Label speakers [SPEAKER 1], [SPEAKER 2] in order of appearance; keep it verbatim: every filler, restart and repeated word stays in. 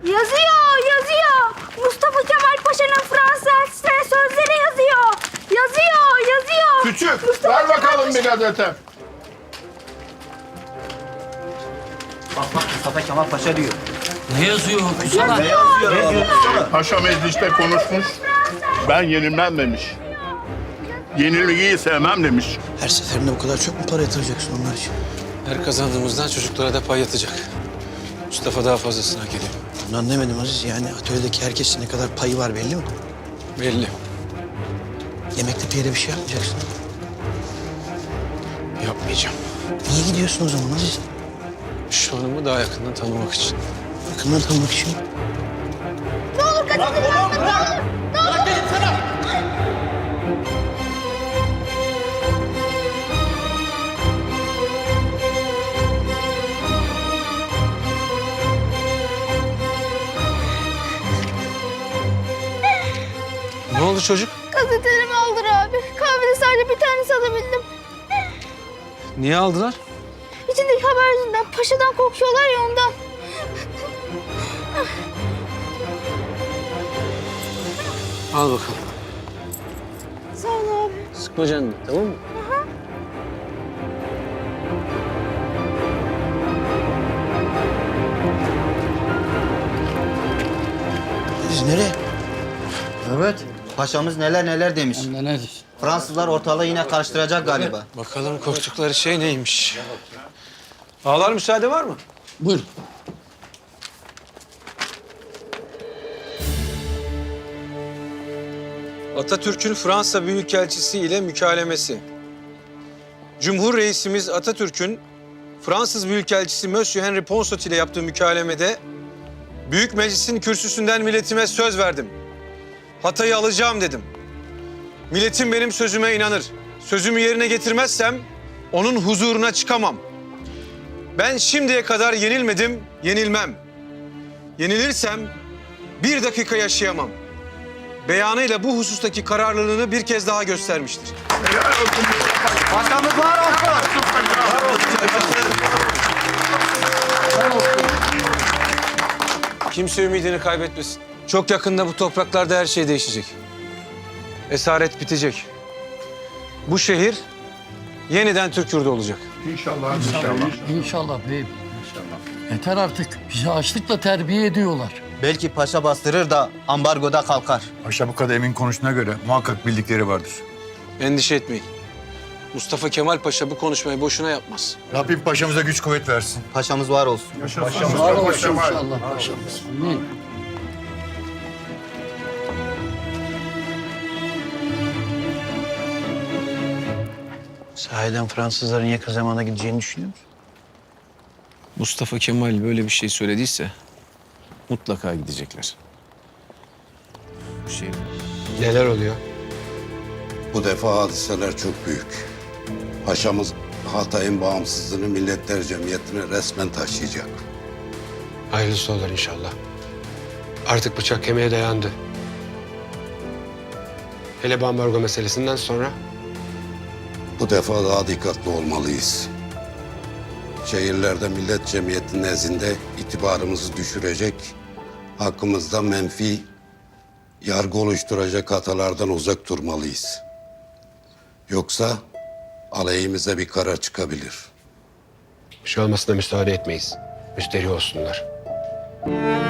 [SPEAKER 1] Yazıyor, yazıyor. Mustafa Kemal Paşa'nın Fransız elçisine sözleri yazıyor. Yazıyor, yazıyor.
[SPEAKER 2] Küçük,
[SPEAKER 1] Mustafa
[SPEAKER 2] ver
[SPEAKER 1] Kemal
[SPEAKER 2] bakalım
[SPEAKER 1] Paşa-
[SPEAKER 2] bir gazete.
[SPEAKER 3] Bak bak Mustafa Kemal Paşa diyor.
[SPEAKER 4] Ne yazıyor? Kusura.
[SPEAKER 3] Ne yazıyor abi?
[SPEAKER 2] Paşa mecliste konuşmuş. Ben yenilmem demiş. Yenilgiyi sevmem demiş.
[SPEAKER 5] Her seferinde bu kadar çok mu para yatıracaksın onlar için?
[SPEAKER 6] Her kazandığımızdan çocuklara da pay yatacak. Mustafa daha fazlasını hak ediyor.
[SPEAKER 5] Bunu anlamadım Aziz. Yani atölyedeki herkesin ne kadar payı var belli mi?
[SPEAKER 6] Belli.
[SPEAKER 5] Yemekte bir yere bir şey yapmayacaksın.
[SPEAKER 6] Yapmayacağım.
[SPEAKER 5] Niye gidiyorsun o zaman Aziz?
[SPEAKER 6] Şu hanımı daha yakından tanımak için.
[SPEAKER 5] Yakından tanımak için.
[SPEAKER 6] Ne oldu çocuk?
[SPEAKER 1] Gazetelerimi aldır abi. Kahvede sadece bir tanesi alabildim.
[SPEAKER 6] Niye aldılar?
[SPEAKER 1] İçindeki haber yüzünden paşadan korkuyorlar ya ondan.
[SPEAKER 6] Al bakalım.
[SPEAKER 1] Sağ ol abi.
[SPEAKER 6] Sıkma canını, tamam mı?
[SPEAKER 5] Aziz nereye?
[SPEAKER 3] Evet. Paşamız neler neler demiş. Fransızlar ortalığı yine karıştıracak galiba.
[SPEAKER 6] Bakalım korktukları şey neymiş? Ağlar müsaade var mı?
[SPEAKER 4] Buyur.
[SPEAKER 6] Atatürk'ün Fransa Büyükelçisi ile mükalemesi. Cumhur Reisimiz Atatürk'ün Fransız Büyükelçisi Monsieur Henri Ponsot ile yaptığı mükalemede Büyük Meclis'in kürsüsünden milletime söz verdim. Hatay'ı alacağım dedim. Milletim benim sözüme inanır. Sözümü yerine getirmezsem onun huzuruna çıkamam. Ben şimdiye kadar yenilmedim, yenilmem. Yenilirsem bir dakika yaşayamam. Beyanıyla bu husustaki kararlılığını bir kez daha göstermiştir.
[SPEAKER 3] Paşamız var olsun.
[SPEAKER 6] Kimse ümidini kaybetmesin. Çok yakında bu topraklarda her şey değişecek. Esaret bitecek. Bu şehir yeniden Türk yurdu olacak.
[SPEAKER 2] İnşallah, inşallah.
[SPEAKER 4] İnşallah beyim. İnşallah. Yeter artık. Bizi açlıkla terbiye ediyorlar.
[SPEAKER 3] Belki paşa bastırır da ambargoda kalkar.
[SPEAKER 7] Paşa bu kadar emin konuştuğuna göre muhakkak bildikleri vardır.
[SPEAKER 6] Endişe etmeyin. Mustafa Kemal Paşa bu konuşmayı boşuna yapmaz.
[SPEAKER 7] Rabbim paşamıza güç kuvvet versin.
[SPEAKER 3] Paşamız var olsun.
[SPEAKER 4] Var olsun inşallah paşamız. Amin.
[SPEAKER 5] Sahiden Fransızların yakın zamanda gideceğini düşünüyor musun?
[SPEAKER 6] Mustafa Kemal böyle bir şey söylediyse mutlaka gidecekler. Bu şey...
[SPEAKER 8] Neler oluyor?
[SPEAKER 9] Bu defa hadiseler çok büyük. Paşamız Hatay'ın bağımsızlığını Milletler Cemiyeti'ne resmen taşıyacak.
[SPEAKER 8] Hayırlısı olur inşallah. Artık bıçak kemiğe dayandı. Hele bu ambargo meselesinden sonra
[SPEAKER 9] Bu defa daha dikkatli olmalıyız. Şehirlerde Millet Cemiyeti nezdinde itibarımızı düşürecek, hakkımızda menfi yargı oluşturacak hatalardan uzak durmalıyız. Yoksa aleyhimize bir karar çıkabilir.
[SPEAKER 8] bir şey olmasına müsaade etmeyiz. Müsterih olsunlar.